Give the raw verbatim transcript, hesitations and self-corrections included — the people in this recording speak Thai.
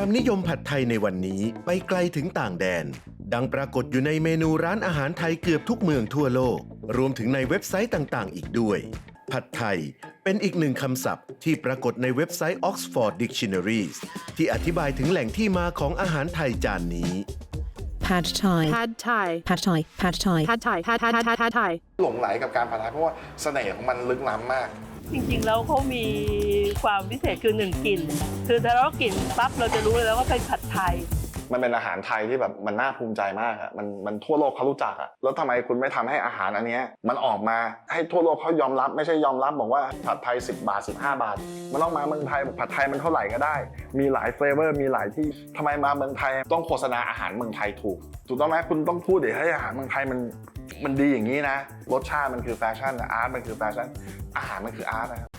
ความนิยมผัดไทยในวันนี้ไปไกลถึงต่างแดนดังปรากฏอยู่ในเมนูร้านอาหารไทยเกือบทุกเมืองทั่วโลกรวมถึงในเว็บไซต์ต่างๆอีกด้วยผัดไทยเป็นอีกหนึ่งคำศัพท์ที่ปรากฏในเว็บไซต์ Oxford Dictionaries ที่อธิบายถึงแหล่งที่มาของอาหารไทยจานนี้ Pad Thai Pad Thai Pad Thai Pad Thai Pad Thai Pad Thai Pad Thai Thai หลงไหลกับการผัดไทยเพราะว่าเสน่ห์ของมันลึกล้ำมากจริงๆแล้วเขามีความพิเศษคือหนึ่งกลิ่นคือถ้าเรากลิ่นปั๊บเราจะรู้เลยแล้วว่าเป็นผัดไทยมันเป็นอาหารไทยที่แบบมันน่าภูมิใจมากอะมันมันทั่วโลกเขารู้จักอะแล้วทำไมคุณไม่ทำให้อาหารอันนี้มันออกมาให้ทั่วโลกเขายอมรับไม่ใช่ยอมรับบอกว่าผัดไทยสิบบาทสิบห้าบาทมันต้องมาเมืองไทยผัดไทยมันเท่าไหร่ก็ได้มีหลายเฟลเวอร์มีหลายที่ทำไมมาเมืองไทยต้องโฆษณาอาหารเมืองไทยถูกถูกต้องไหมคุณต้องพูดเดี๋ยวให้อาหารเมืองไทยมันมันดีอย่างนี้นะรสชาติมันคือแฟชั่นอาร์ตมันคือแฟชั่นอาหารมันคืออาร์ตนะครับ